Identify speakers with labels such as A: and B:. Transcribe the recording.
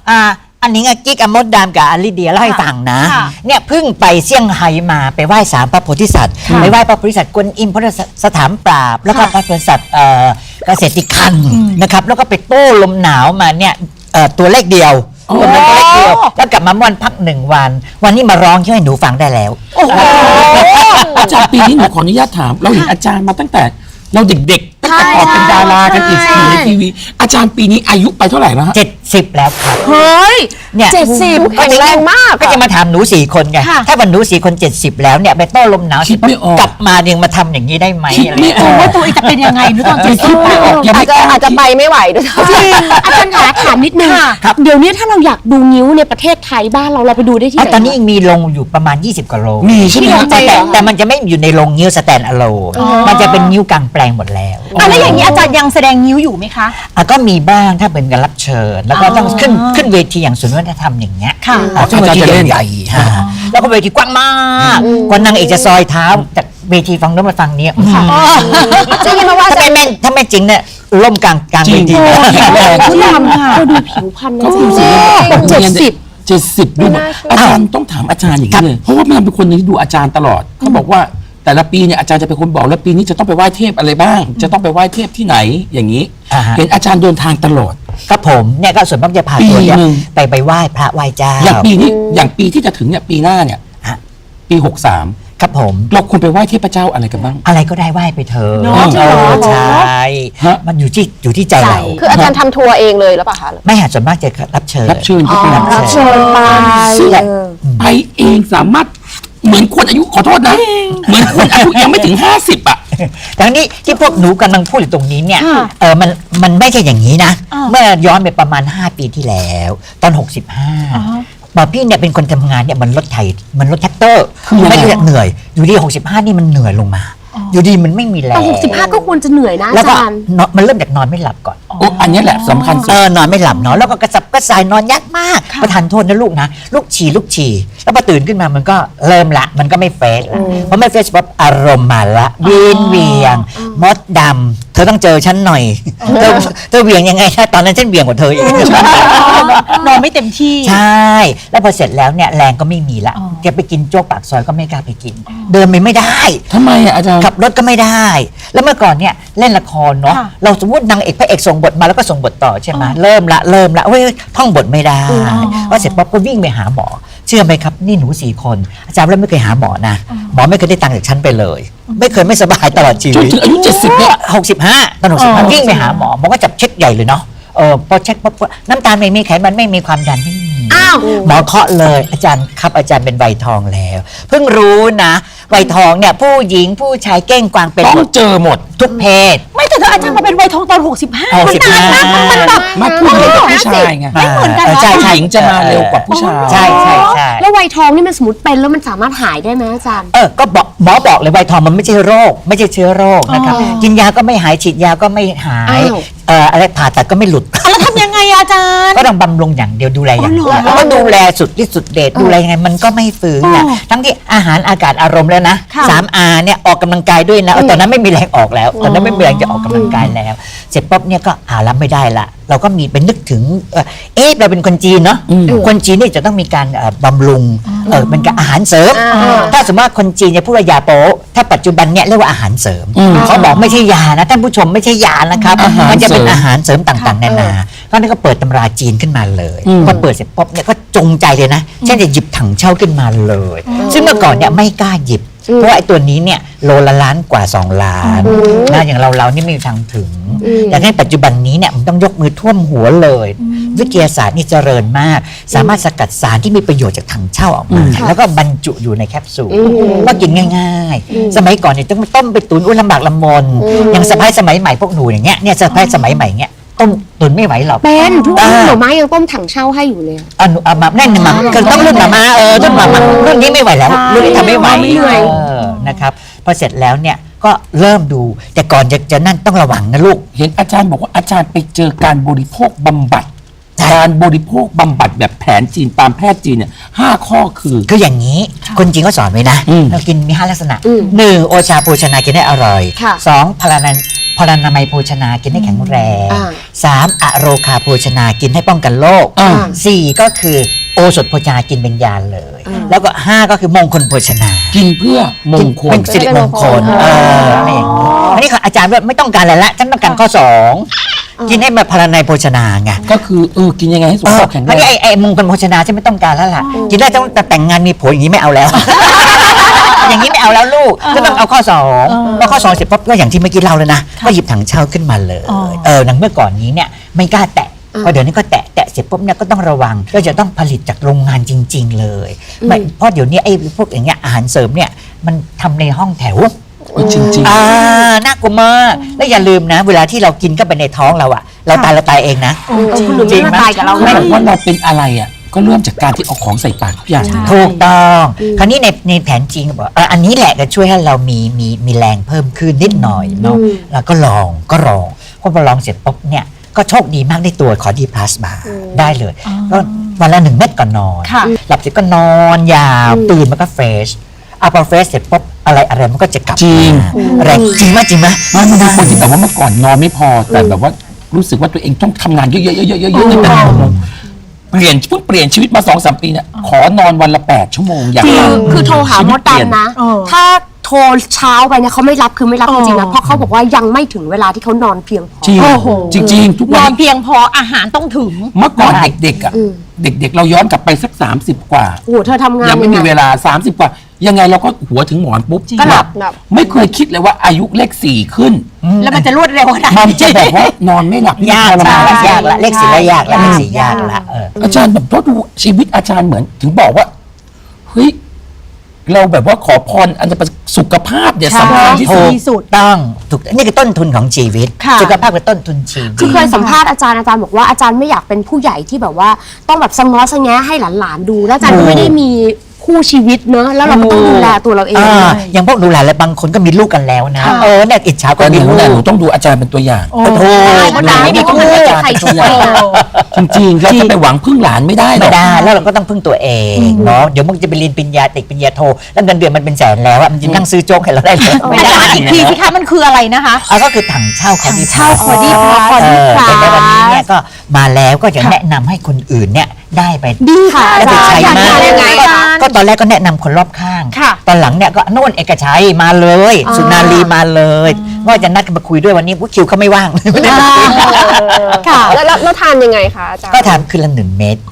A: อันนี้กิ๊กอมดดามกับอลิเดียเล่าให้ฟังนะเนี่ยเพิ่งไปเซี่ยงไฮ้มาไปไหว้ศาลพระโพธิสัตว์ไปไหว้พระโพธิสัตว์กวนอิมพระสถานปราบแล้วก็พระโพธิสัตว์เกษตรคันนะครับแล้วก็ไปโต้ลมหนาวมาเนี่ยตัวเลขเดียวตัวเลขเดียวแล้วกลับมาวันพัก1 วันนี้มาร้องให้หนูฟังได้แล้ว
B: อาจารย์ปีนี้หนูขออนุญาตถามเราเห็นอาจารย์มาตั้งแต่เราเด็กๆตั้งแต่ก่อนเป็นดารากันอีกอยู่ในทีวีอาจารย์ปีนี้อายุไปเท่าไหร่แล้วฮะ
A: 70แล้วครับ
C: เฮ้ย
A: เนี่ย
C: 70แข็งแรงมาก
A: ก็จะมาถามหนู4 คนไงถ้าวันหนู4 คน70แล้วเนี่ยไปโต้ลมหนาวกลับมายังมาทำอย่างนี้ได้ไหม
C: ไม่ออกว่าตัวเองจะเป็นยังไงหนูตอน70
D: อาจจะไปไม่ไหวด้วย
C: อาจารย์คะถามนิดนึงเดี๋ยวนี้ถ้าเราอยากดูงิ้วในประเทศไทยบ้านเราไปดูได้ที่ไหน
A: ตอนนี้ยังมีลงอยู่ประมาณ20 กว่าโรง
B: มีใช่ไหม
A: แต่มันจะไม่อยู่ในโรงงิ้วสแตนอะโลนมันจะเป็นงิ้วกลางแปลงหมดแล้ว
C: แล้วอย่างนี้อาจารย์ยังแสดงงิ้วอยู่ไหมคะ
A: ก็มีบ้างถ้าเป็นการรับเชิญแล้วก็ต้องขึ้นเวทีอย่างศูนย์วัฒนธรรมอย่างเงี้ย
B: ซึ่งเวทีใหญ่
A: แล้วก็เวทีกว้างมากกว่านางเอกจะซอยเท้าจากเวทีฝั่งโน้นมาฝั่งนี้
D: จะยินมาว่า
A: ถ้าไม่จริงเนี่ยล่มกลางเวที
C: ผู้นำค่ะดูผิวพรรณนะ
B: 70ดูอาจารย์ต้องถามอาจารย์อย่างนี้เลยเพราะว่ามันเป็นคนนึงที่ดูอาจารย์ตลอดเขาบอกว่าแต่ละปีเนี่ยอาจารย์จะเป็นคนบอกแล้วปีนี้จะต้องไปไหว้เทพอะไรบ้างจะต้องไปไหว้เทพที่ไหนอย่างนี้เห็นอาจารย์เดินทางตลอด
A: ครับผมเนี่ยก็ส่วนมากจะพาตัวเนี่ยไปไหว้พระไหว้เจ้า
B: อย่างปีนี้อย่างปีที่จะถึงเนี่ยปีหน้าเนี่ยปี63
A: ครับผม
B: เราควรไปไหว้เทพเจ้าอะไรกันบ้าง
A: อะไรก็ได้ไหว้ไปเถอะใช่มันอยู่ที่ใจเรา
D: คืออาจารย์ทำทัวร์เองเลยหรือเปล่าคะ
A: ไม่หาส่วนมากจะรับเชิญ
B: รับเชิญไปเองสามารถเหมือนคนอายุขอโทษนะเหมือนคนอายุยังไม่ถึง50
A: ดังนี้ที่พวกหนูกำลังพูดอยู่ตรงนี้เนี่ยมันไม่ใช่อย่างนี้นะเมื่อย้อนไปประมาณ5 ปีที่แล้วตอน65บอกพี่เนี่ยเป็นคนทำงานเนี่ยมันรถไถมันรถแท็กเตอร์ไม่ได้เหนื่อยอยู่ดี65นี่มันเหนื่อยลงมาอยู่ดีมันไม่มีแรง
C: 65ก็ควรจะเหนื่อยนะ
A: อาจารย์มันเริ่มจากนอนไม่หลับก่อน
B: อันนี้แหละสำคัญสุด
A: นอนไม่หลับเนาะแล้วก็กระสับกระส่ายนอนยากมากประทานโทษนะลูกนะลูกฉี่แล้วพอตื่นขึ้นมามันก็เริ่มละมันก็ไม่เฟสเพราะไม่เฟสปั๊บอารมณ์มาละเวียงมดดำเธอต้องเจอฉันหน่อยเธอเวียงยังไงตอนนั้นฉันเวียงกว่าเธออีก
C: นอนไม่เต็มที่
A: ใช่แล้วพอเสร็จแล้วเนี่ยแรงก็ไม่มีละจะไปกินโจ๊กปากซอยก็ไม่กล้าไปกินเดินไม่ได้
B: ทำไมอาจารย์
A: ขับรถก็ไม่ได้แล้วเมื่อก่อนเนี่ยเล่นละครเนาะเราสมมตินางเอกพระเอกส่งบทมาแล้วก็ส่งบทต่อใช่ไหมเริ่มละเว้ยท่องบทไม่ได้พอเสร็จปั๊บก็วิ่งไปหาหมอเชื่อไหมครับนี่หนู4 คนอาจารย์แล้วไม่เคยหาหมอนะหมอไม่เคยได้ตังค์จากฉันไปเลยไม่เคยไม่สบายตลอดชีวิต
B: จนถึงอายุ70เนี่ย
A: 65ตอน65วิ่งไปหาหมอหมอก็จับเช็คใหญ่เลยเนาะพอเช็คปั๊บน้ำตาลไม่มีไขมันไม่มีความดันไม่มีหมอเคาะเลยอาจารย์ครับอาจารย์เป็นไวทองแล้วเพิ่งรู้นะไวทองเนี่ยผู้หญิงผู้ชายเก้งกวางเป็น
B: ต้องเจอหมด
A: ทุกเพศ
C: ไม่แต่อาจารย์มาเป็นไวทองตอน65
A: มันแบบ
B: มาผู้หญิงกับผู้ชายไง
C: ไม่เหมือนกัน
B: ใช่ผู้หญิงจะมาเร็วกว่าผู้ชาย
A: ใช่
C: แล้วไวทองนี่มันสมมติเป็นแล้วมันสามารถหายได้ไหมอาจารย์
A: ก็หมอบอกเลยไวทองมันไม่ใช่โรคไม่ใช่เชื้อโรคนะครับกินยาก็ไม่หายฉีดยาก็ไม่หายอะไรผ่าตัดก็ไม่หลุด
C: แล้วทำยังไงอาจารย์
A: ก็ต้องบำรุงอย่างเดียวดูแลอย่างเดียวแล้วก็ดูแลสุดที่สุดเดชดูแลยังไงมันก็ไม่ฟื้นนะทั้งที่อาหารอากาศอารมณ์แล้วนะ3R เนี่ยออกกำลังกายด้วยนะตอนนั้นไม่มีแรงออกแล้วตอนนั้นไม่มีแรงจะออกกำลังกายแล้วเสร็จปุ๊บเนี่ยก็รับไม่ได้ละเราก็มีเป็นนึกถึงเราเป็นคนจีนเนาะคนจีนนี่จะต้องมีการบำรุงเป็นการอาหารเสริมถ้าสมมติว่าคนจีนจะพูดว่ายาโป๊ถ้าปัจจุบันเนี่ยเรียกว่าอาหารเสริมเขาบอกไม่ใช่ยานะท่านผู้ชมไม่ใช่ยานะครับมันจะเป็นอาหารเสริมต่างๆนานาก็นี่ก็เปิดตำราจีนขึ้นมาเลยพอเปิดเสร็จปุ๊บเนี่ยก็จงใจเลยนะเช่นจะหยิบถังเช่าขึ้นมาเลยซึ่งเมื่อก่อนเนี่ยไม่กล้าหยิบเพราะไอ้ตัวนี้เนี่ยโลละล้านกว่า2 ล้านนะอย่างเรานี่ไม่มีทางถึงแต่ในปัจจุบันนี้เนี่ยมันต้องยกมือท่วมหัวเลยวิทยาศาสตร์นี่เจริญมากสามารถสกัดสารที่มีประโยชน์จากถังเช่าออกมาแล้วก็บรรจุอยู่ในแคปซูลก็กินง่ายๆสมัยก่อนเนี่ยต้องต้มไปตุ๋นลำบากลำมนอย่างสะพ้ายสมัยใหม่พวกหนูอย่างเงี้ยเนี่ยสะพ้ายสมัยใหม่เงี้ยต้มตุ๋นไม่ไหวหรอก
C: เป็นทุกวันหน่อไม้ยังต้มถังเช่าให้อยู่เลย
A: มาแน่นมาคือต้องรุ่นมารุ่นมารุ่นนี้ไม่ไหวแล้วรุ่นนี้ทำไม่ไหวนะครับพอเสร็จแล้วเนี่ยก็เริ่มดูแต่ก่อนจะนั่นต้องระวังนะลูก
B: เห็นอาจารย์บอกว่าอาจารย์ไปเจอการบริโภคบำบัดการบริโภคบำบัดแบบแผนจีนตามแพทย์จีนเนี่ย5 ข้อคือ
A: อย่างนี้คนจีนก็สอนไว้นะเรากินมี5 ลักษณะ1โอชาโภชนากินได้อร่อย2พพลานามัยโภชนากินให้แข็งแรง
D: อ่า
A: 3. อโรคาโภชนากินให้ป้องกันโรค 4. ก็คือโอสถโภชนากินเป็นยาเลย แล้วก็ 5 ก็คือมงคลโภชนา
B: กินเพื่อมงคล
A: เป็นสิริมงคลอะไรอย่างนี้อันนี้อาจารย์ว่าไม่ต้องการอะไรละฉันต้องการข้อ 2 กินให้แบบพลานามัยโภชนาไง
B: ก็คือกินยังไงให้สุขภาพแข็งแร
A: อัน
B: ง
A: นี้ไอ้มงคลโภชนาฉันไม่ต้องการแล้วล่ะกินได้ต้องแต่งงานมีผัวอย่างนี้ไม่เอาแล้ว อย่างนี้ไม่เอาแล้วลูกก็ต้องเอาข้อ2พอข้อ2เสร็จปุ๊บก็อย่างที่เมื่อกี้เล่าเลยนะก็หยิบถังเช่าขึ้นมาเลยหนังเมื่อก่อนนี้เนี่ยไม่กล้าแตะพอเดี๋ยวนี้ก็แตะเสร็จปุ๊บเนี่ยก็ต้องระวังก็จะต้องผลิตจากโรงงานจริง ๆ เลยไม่เพราะเดี๋ยวนี้ไอ้พวกอย่างเงี้ยอาหารเสริมเนี่ยมันทำในห้องแถว
B: จริง
A: น่ากลัวมากแล้วอย่าลืมนะ เวลาที่เรากินเข้าไปในท้องเราอะเราตายเองนะ
C: คุณหนูไม่มาตายกับเรา
B: ๆ
C: ไหม
B: เขาบอกว่าเราเป็นอะไรอ่ะก็เริ่มจากการที่เอาของใส่ปากทุกอย่าง
A: ถูกต้องคราวนี้ในแผนจริงบอกอันนี้แหละจะช่วยให้เรามีแรงเพิ่มขึ้นนิดหน่อยเนาะแล้วก็ลองพอลองเสร็จปุ๊บเนี่ยก็โชคดีมากได้ตัวขอดีพลัสมาได้เลยก็วันละ1 เม็ดก่อนนอน หลับเสร็จก็นอนยาวตื่นมันก็เฟรชพอเฟรชเสร็จปุ๊บอะไรมันก็จะกลับ
B: จริง
A: แรงจริงไหม
B: มันเป็นคนที่แบบว่าเมื่อก่อนนอนไม่พอแต่แบบว่ารู้สึกว่าตัวเองต้องทำงานเยอะๆๆๆๆแต่เปลี่ยนชีวิตมา 2-3 ปีเนี่ยขอนอนวันละ8 ชั่วโมงอย่าง
C: จริง
B: ต่ำ
C: คือโทรหามด
B: ชีวิตเปลี่ย
C: ดำนะ ถ้าโทรเช้าไปเนี่ยเขาไม่รับคือไม่รับจริงๆนะเพราะเขาบอกว่ายังไม่ถึงเวลาที่เขานอนเพียงพอ
B: จริง
E: โอ้โห
B: จริงๆทุก
E: น
B: วั
E: อน
B: น
E: เพียงพออาหารต้องถึง
B: เมื่อก่อนเด็กๆอ่ะเด็กๆเราย้อนกลับไปสัก30 กว่า
C: โอ้โหเธอทำงาน
B: ยังไม่มี
C: งง
B: เวลา 30 กว่า ยังไงเราก็หัวถึงหมอนปุ๊บ
C: ก็หลับ
B: ไม่เคยคิดเลยว่าอายุเลข4ขึ้น
E: แล้วมันจะรวดเร็วขนาด
B: มันจะแบบว่านอนไม่หลับ
A: ยาก
B: ทรมน
A: ยากละเลข4ละยากละเลข4ยากละ
B: อาจารย์แบบดูชีวิตอาจารย์เหมือนถึงบอกว่าเฮ้ยเราแบบว่าขอพรอันจะเป็นสุขภาพเนี่ยสำคัญที่สุด
A: ถูกต้องถูกนี่คือต้นทุนของชีวิต
E: ค่ะ
A: สุขภาพคือต้นทุนชีวิต
C: คือเคยสัมภาษณ์อาจารย์บอกว่าอาจารย์ไม่อยากเป็นผู้ใหญ่ที่แบบว่าต้องแบบสะง้อสะแงะให้หลานๆดู แล้วอาจารย์ก็ไม่ได้มีคู่ชีวิตเนอะแล้วเราก็ต้องดูแลตัวเราเอง
A: อย่างพวกดูแลแล้วบางคนก็มีลูกกันแล้วนะเนี่ยอิจฉาก็
B: แต่ห
A: มี
B: นู
A: ลู
B: เนี่ยหนู
A: ก
B: ต้องดูอาจารย์เป็นตัวอย่าง
A: โอ้โห
C: ก็ได้ไม่ต้องให้ใครช่วย
B: จริงๆเราจะไปหวังพึ่งหลานไม่ได้หร
A: ไม่
B: อก
A: ได้แล้วเราก็ต้องพึ่งตัวเองเนาะเดี๋ยวมึงจะไปเรียนปริญญาตรีปริญญาโทแล้วเงินเดือนมันเป็นแสนแล้วอะมันจะนั่งซื้อโจ๊กให้เราได้เลยไม่
E: อา
A: ได้
E: จารย์อีกทีสิคะมันคืออะไรนะคะ
A: ก็คือถังเช่าคอดี
E: เช่าคอดี้พลัส
A: แต่ในวันนี้เนี่ยก็มาแล้วก็จะแนะนำให้คนอื่นเนี่ยได้ไป
C: ดีค่ะ
A: แล้วไปใช้
C: อาจารย์
A: มาก
C: ยังไงอาจารย์
A: ก็ตอนแรกก็แนะนำคนรอบข้าง
E: ค่ะ
A: ตอนหลังเนี่ยก็โน่นเอกชัยมาเลย สุนารีมาเลยว่าจะนัดกันมาคุยด้วยวันนี้คิวเขาไม่ว่างไม่ได้มาคุย
E: ค่ะ
D: แล้วทานยังไงคะอาจารย์
A: ก็ทานคืนละ1 เม็ด